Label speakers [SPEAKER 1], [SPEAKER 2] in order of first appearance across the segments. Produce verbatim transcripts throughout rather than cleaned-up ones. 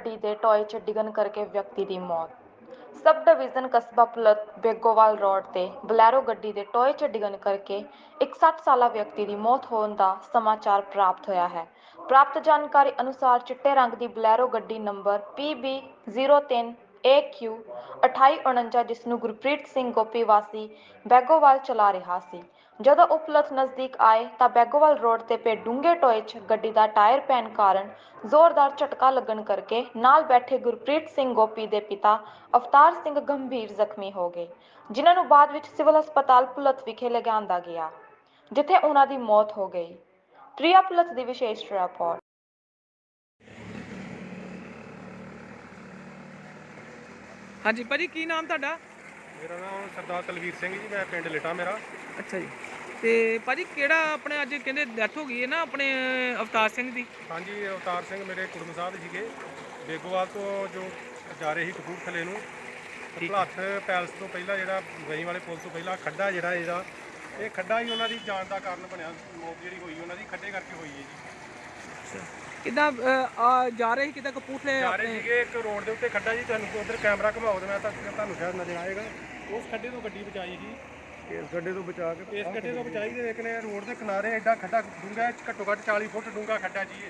[SPEAKER 1] ਗੱਡੀ ਦੇ ਟੋਏ 'ਚ ਡਿੱਗਣ ਕਰਕੇ ਵਿਅਕਤੀ ਦੀ ਮੌਤ। ਸਬ ਡਿਵੀਜ਼ਨ ਕਸਬਾ ਪੁਲਤ ਬੇਗੋਵਾਲ ਰੋਡ ਤੇ ਬਲੈਰੋ ਗੱਡੀ ਦੇ ਟੋਏ 'ਚ ਡਿੱਗਣ ਕਰਕੇ ਇੱਕ ਸੱਠ ਸਾਲਾ ਵਿਅਕਤੀ ਦੀ ਮੌਤ ਹੋਣ ਦਾ ਸਮਾਚਾਰ ਪ੍ਰਾਪਤ ਹੋਇਆ ਹੈ। ਪ੍ਰਾਪਤ ਜਾਣਕਾਰੀ ਅਨੁਸਾਰ ਚਿੱਟੇ ਰੰਗ ਦੀ ਬਲੈਰੋ ਗੱਡੀ ਨੰਬਰ ਪੀ ਬੀ ਜ਼ੀਰੋ ਤਿੰਨ ਏ ਕਿਊ ਅਠਾਈ ਉਣੰਜਾ ਜਿਸ ਨੂੰ ਗੁਰਪ੍ਰੀਤ ਸਿੰਘ ਗੋਪੀ ਵਾਸੀ ਬੈਗੋਵਾਲ ਚਲਾ ਰਿਹਾ ਸੀ। ਜਦੋਂ ਉਹ ਪੁਲਤ ਨਜ਼ਦੀਕ ਆਏ ਤਾਂ ਬੈਗੋਵਾਲ ਰੋਡ ਤੇ ਪਏ ਡੂੰਘੇ ਟੋਏ 'ਚ ਗੱਡੀ ਦਾ ਟਾਇਰ ਪੈਣ ਕਾਰਨ ਜ਼ੋਰਦਾਰ ਝਟਕਾ ਲੱਗਣ ਕਰਕੇ ਨਾਲ ਬੈਠੇ ਗੁਰਪ੍ਰੀਤ ਸਿੰਘ ਗੋਪੀ ਦੇ ਪਿਤਾ ਅਵਤਾਰ ਸਿੰਘ ਗੰਭੀਰ ਜ਼ਖਮੀ ਹੋ ਗਏ, ਜਿਨ੍ਹਾਂ ਨੂੰ ਬਾਅਦ ਵਿੱਚ ਸਿਵਲ ਹਸਪਤਾਲ ਪੁਲਤ ਵਿਖੇ ਲਿਆਂਦਾ ਗਿਆ, ਜਿੱਥੇ ਉਹਨਾਂ ਦੀ ਮੌਤ ਹੋ ਗਈ। ਪ੍ਰਿਆ ਪੁਲਤ ਦੀ ਵਿਸ਼ੇਸ਼ ਰਿਪੋਰਟ।
[SPEAKER 2] ਹਾਂਜੀ ਭਾਜੀ, ਕੀ ਨਾਮ ਤੁਹਾਡਾ?
[SPEAKER 3] ਮੇਰਾ ਨਾਮ ਸਰਦਾਰ ਤਲਵੀਰ ਸਿੰਘ ਜੀ, ਮੈਂ ਪਿੰਡ ਲਿਟਾ ਮੇਰਾ।
[SPEAKER 2] ਅੱਛਾ ਜੀ। ਤੇ ਭਾਜੀ ਕਿਹੜਾ ਆਪਣੇ ਅੱਜ ਕਹਿੰਦੇ ਡੈਥ ਹੋ ਗਈ ਹੈ ਨਾ ਆਪਣੇ ਅਵਤਾਰ ਸਿੰਘ ਦੀ?
[SPEAKER 3] ਹਾਂਜੀ, ਅਵਤਾਰ ਸਿੰਘ ਮੇਰੇ ਕੁੜਮ ਸਾਹਿਬ ਸੀਗੇ, ਬੇਗੋਵਾਲ ਤੋਂ ਜੋ ਜਾ ਰਹੇ ਸੀ ਕਪੂਰਥਲੇ ਨੂੰ। ਭਲੱਥ ਪੈਲਸ ਤੋਂ ਪਹਿਲਾਂ ਜਿਹੜਾ ਗਈ ਵਾਲੇ ਪੁਲ ਤੋਂ ਪਹਿਲਾਂ ਖੱਡਾ ਜਿਹੜਾ ਇਹਦਾ ਇਹ ਖੱਡਾ ਹੀ ਉਹਨਾਂ ਦੀ ਜਾਣ ਦਾ ਕਾਰਨ ਬਣਿਆ। ਮੌਤ ਜਿਹੜੀ ਹੋਈ ਉਹਨਾਂ ਦੀ ਖੱਡੇ ਕਰਕੇ ਹੋਈ ਹੈ ਜੀ।
[SPEAKER 2] ਕਿੱਦਾਂ ਜਾ ਰਹੇ ਸੀ, ਕਿੱਦਾਂ ਕਪੂਰਥਲੇ
[SPEAKER 3] ਜਾ ਰਹੇ ਸੀਗੇ ਇੱਕ ਰੋਡ ਦੇ ਉੱਤੇ ਖੱਡਾ ਜੀ, ਤੁਹਾਨੂੰ ਉਧਰ ਕੈਮਰਾ ਘੁਮਾਓ ਤੇ ਮੈਂ ਤਾਂ ਤੁਹਾਨੂੰ ਸ਼ਾਇਦ ਨਜ਼ਰ ਆਏਗਾ। ਉਸ ਖੱਡੇ ਤੋਂ ਗੱਡੀ ਬਚਾਈ ਸੀ, ਇਸ ਖੱਡੇ ਤੋਂ ਬਚਾ ਕੇ ਇਸ ਖੱਡੇ ਤੋਂ ਬਚਾਈ ਤੇ ਲੇਕਿਨ ਰੋਡ ਦੇ ਕਿਨਾਰੇ ਐਡਾ ਖੱਡਾ ਡੂੰਘਾ, ਘੱਟੋ ਘੱਟ ਚਾਲੀ ਫੁੱਟ ਡੂੰਘਾ ਖੱਡਾ ਜੀ।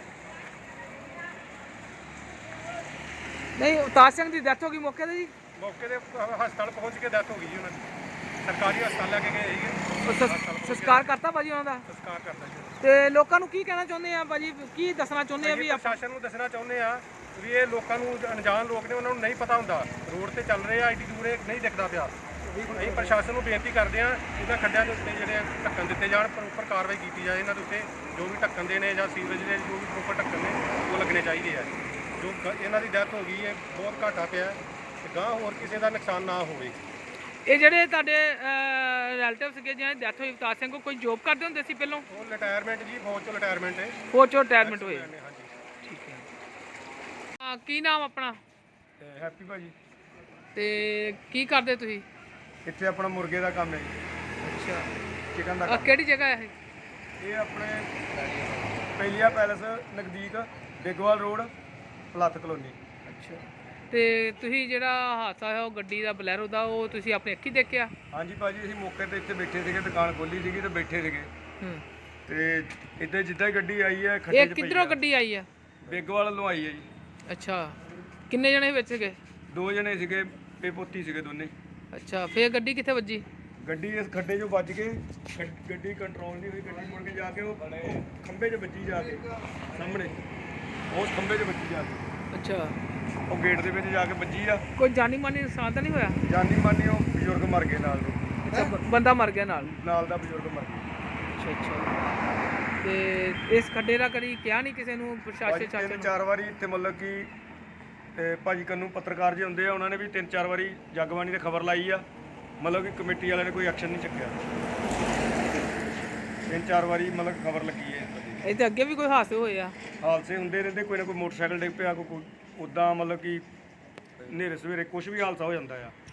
[SPEAKER 2] ਨਹੀਂ, ਅਵਤਾਰ ਸਿੰਘ ਦੀ ਡੈਥ ਹੋ ਗਈ ਮੌਕੇ ਤੇ ਜੀ?
[SPEAKER 3] ਮੌਕੇ ਤੇ ਹਸਪਤਾਲ ਪਹੁੰਚ ਕੇ ਡੈਥ ਹੋ ਗਈ ਜੀ ਉਹਨਾਂ ਦੀ। ਸਰਕਾਰੀ ਹਸਪਤਾਲ ਲੈ ਕੇ ਗਏ ਸੀਗੇ,
[SPEAKER 2] ਸੰਸਕਾਰ ਕਰਤਾ ਭਾਜੀ ਉਹਨਾਂ ਦਾ?
[SPEAKER 3] ਸੰਸਕਾਰ ਕਰਤਾ ਜੀ।
[SPEAKER 2] ਤੇ ਲੋਕਾਂ ਨੂੰ ਕੀ ਕਹਿਣਾ ਚਾਹੁੰਦੇ ਆ ਭਾਜੀ, ਕੀ ਦੱਸਣਾ ਚਾਹੁੰਦੇ ਆ? ਵੀ
[SPEAKER 3] ਪ੍ਰਸ਼ਾਸਨ ਨੂੰ ਦੱਸਣਾ ਚਾਹੁੰਦੇ ਆ ਵੀ ਇਹ ਲੋਕਾਂ ਨੂੰ ਅਣਜਾਣ ਲੋਕ ਨੇ, ਉਹਨਾਂ ਨੂੰ ਨਹੀਂ ਪਤਾ ਹੁੰਦਾ ਰੋਡ ਤੇ ਚੱਲ ਰਹੇ ਆ, ਐਡੀ ਦੂਰ ਇਹ ਨਹੀਂ ਦਿਖਦਾ ਪਿਆ। ਅਸੀਂ ਪ੍ਰਸ਼ਾਸਨ ਨੂੰ ਬੇਨਤੀ ਕਰਦੇ ਆ ਇਹਨਾਂ ਖੱਡਿਆਂ ਦੇ ਉੱਤੇ ਜਿਹੜੇ ਢੱਕਣ ਦਿੱਤੇ ਜਾਣ, ਪ੍ਰੋਪਰ ਕਾਰਵਾਈ ਕੀਤੀ ਜਾਏ ਇਹਨਾਂ ਦੇ ਉੱਤੇ। ਜੋ ਵੀ ਢੱਕਣ ਦੇ ਨੇ ਜਾਂ ਸੀਵਰੇਜ ਦੇ ਜੋ ਵੀ ਪ੍ਰੋਪਰ ਢੱਕਣ ਨੇ ਉਹ ਲੱਗਣੇ ਚਾਹੀਦੇ ਆ। ਜੋ ਇਹਨਾਂ ਦੀ ਡੈਥ ਹੋ ਗਈ ਹੈ, ਬਹੁਤ ਘਾਟਾ ਪਿਆ ਤੇ ਗਾਂ ਹੋਰ ਕਿਸੇ ਦਾ ਨੁਕਸਾਨ ਨਾ ਹੋਵੇ।
[SPEAKER 2] ਇਹ ਜਿਹੜੇ ਤੁਹਾਡੇ ਰਿਲੇਟਿਵ ਸੀਗੇ ਜਿਹਨਾਂ ਦੀ ਡੈਥ ਹੋਈ ਅਵਤਾਰ ਸਿੰਘ, ਕੋਈ ਜੋਬ ਕਰਦੇ ਹੁੰਦੇ ਸੀ ਪਹਿਲਾਂ?
[SPEAKER 3] ਉਹ ਰਿਟਾਇਰਮੈਂਟ ਜੀ, ਫੌਜ ਚੋਂ ਰਿਟਾਇਰਮੈਂਟ ਹੈ।
[SPEAKER 2] ਫੌਜ ਚੋਂ ਰਿਟਾਇਰਮੈਂਟ ਹੋਏ?
[SPEAKER 3] ਹਾਂਜੀ।
[SPEAKER 2] ਠੀਕ ਹੈ। ਹਾਂ, ਕੀ ਨਾਮ ਆਪਣਾ?
[SPEAKER 3] ਹੈਪੀ ਭਾਜੀ।
[SPEAKER 2] ਤੇ ਕੀ ਕਰਦੇ ਤੁਸੀਂ
[SPEAKER 3] ਇੱਥੇ? ਆਪਣਾ ਮੁਰਗੇ ਦਾ ਕੰਮ ਹੈ ਜੀ।
[SPEAKER 2] ਅੱਛਾ,
[SPEAKER 3] ਚਿਕਨ ਦਾ।
[SPEAKER 2] ਆ ਕਿਹੜੀ ਜਗ੍ਹਾ ਹੈ ਇਹ?
[SPEAKER 3] ਇਹ ਆਪਣੇ ਪਹਿਲੀਆ ਪੈਲਸ ਨਜ਼ਦੀਕ ਬੇਗੋਵਾਲ ਰੋਡ, ਭਲੱਥ ਕਲੋਨੀ।
[SPEAKER 2] ਅੱਛਾ, ਤੇ ਤੁਸੀਂ ਜਿਹੜਾ ਹਾਦਸਾ ਹੋਇਆ ਉਹ ਗੱਡੀ ਦਾ ਬਲੈਰੋ ਦਾ, ਉਹ ਤੁਸੀਂ ਆਪਣੀ ਅੱਖੀਂ ਦੇਖਿਆ?
[SPEAKER 3] ਹਾਂਜੀ ਭਾਜੀ, ਅਸੀਂ ਮੌਕੇ ਤੇ ਇੱਥੇ ਬੈਠੇ ਸੀਗੇ, ਦੁਕਾਨ ਖੋਲੀ ਸੀਗੀ ਤੇ ਬੈਠੇ ਸੀਗੇ।
[SPEAKER 2] ਹੂੰ।
[SPEAKER 3] ਤੇ ਇੱਦਾਂ ਜਿੱਦਾਂ ਹੀ ਗੱਡੀ ਆਈ ਹੈ ਖੱਡੇ 'ਚ
[SPEAKER 2] ਇਹ ਕਿੱਧਰੋਂ ਗੱਡੀ ਆਈ ਆ?
[SPEAKER 3] ਬੇਗੋਵਾਲ ਵੱਲੋਂ ਆਈ ਹੈ ਜੀ।
[SPEAKER 2] ਅੱਛਾ, ਕਿੰਨੇ ਜਣੇ ਵਿੱਚ ਸੀਗੇ?
[SPEAKER 3] ਦੋ ਜਣੇ ਸੀਗੇ, ਤੇ ਪੋਤੀ ਸੀਗੇ ਦੋਨੇ।
[SPEAKER 2] ਅੱਛਾ, ਫੇਰ ਗੱਡੀ ਕਿੱਥੇ ਵੱਜੀ?
[SPEAKER 3] ਗੱਡੀ ਇਸ ਖੱਡੇ 'ਚੋਂ ਵੱਜ ਕੇ ਗੱਡੀ ਕੰਟਰੋਲ ਨਹੀਂ ਹੋਈ, ਗੱਡੀ ਮੁੜ ਕੇ ਜਾ ਕੇ ਉਹ ਖੰਭੇ 'ਚ ਵੱਜੀ, ਜਾ ਕੇ ਸਾਹਮਣੇ ਉਸ ਖੰਭੇ 'ਚ ਵੱਜੀ ਜਾ ਕੇ।
[SPEAKER 2] ਅੱਛਾ,
[SPEAKER 3] ਉਹ ਗੇਟ ਦੇ ਵਿੱਚ ਜਾ ਕੇ ਵੱਜੀ ਆ।
[SPEAKER 2] ਕੋਈ ਜਾਨੀ ਮਾਨੀ ਨੁਕਸਾਨ ਤਾਂ ਨਹੀਂ ਹੋਇਆ?
[SPEAKER 3] ਜਾਨੀ ਮਾਨੀ ਉਹ ਬਜ਼ੁਰਗ ਮਰ ਗਏ ਨਾਲ ਦੇ।
[SPEAKER 2] ਅੱਛਾ, ਬੰਦਾ ਮਰ ਗਿਆ ਨਾਲ?
[SPEAKER 3] ਨਾਲ ਦਾ ਬਜ਼ੁਰਗ ਮਰ ਗਿਆ।
[SPEAKER 2] ਅੱਛਾ ਅੱਛਾ। ਤੇ ਇਸ ਖੱਡੇ ਦਾ ਕਦੀ ਕਿਹਾ ਨਹੀਂ ਕਿਸੇ ਨੂੰ ਪ੍ਰਸ਼ਾਸਨ ਚਾਚਾ?
[SPEAKER 3] ਤਿੰਨ ਚਾਰ ਵਾਰੀ ਇੱਥੇ ਮਤਲਬ ਕਿ ਤੇ ਭਾਜੀ ਕੰਨੂ ਪੱਤਰਕਾਰ ਜੀ ਹੁੰਦੇ ਆ, ਉਹਨਾਂ ਨੇ ਵੀ ਤਿੰਨ ਚਾਰ ਵਾਰੀ ਜਗਬਾਣੀ ਤੇ ਖਬਰ ਲਾਈ ਆ, ਮਤਲਬ ਕਿ ਕਮੇਟੀ ਵਾਲਿਆਂ ਨੇ ਕੋਈ ਐਕਸ਼ਨ ਨਹੀਂ ਚੱਕਿਆ। ਤਿੰਨ ਚਾਰ ਵਾਰੀ ਮਤਲਬ ਖਬਰ ਲੱਗੀ ਹੈ।
[SPEAKER 2] ਇਹ ਤੇ ਅੱਗੇ ਵੀ ਕੋਈ ਹਾਦਸੇ ਹੋਏ ਆ?
[SPEAKER 3] ਹਾਦਸੇ ਹੁੰਦੇ ਰਹਿੰਦੇ, ਕੋਈ ਨਾ ਕੋਈ ਮੋਟਰਸਾਈਕਲ ਡਿੱਗ ਪਿਆ, ਕੋਈ ਉੱਦਾਂ ਮਤਲਬ ਕਿ ਹਨੇਰੇ ਸਵੇਰੇ ਕੁਝ ਵੀ ਹਾਦਸਾ ਹੋ ਜਾਂਦਾ ਆ।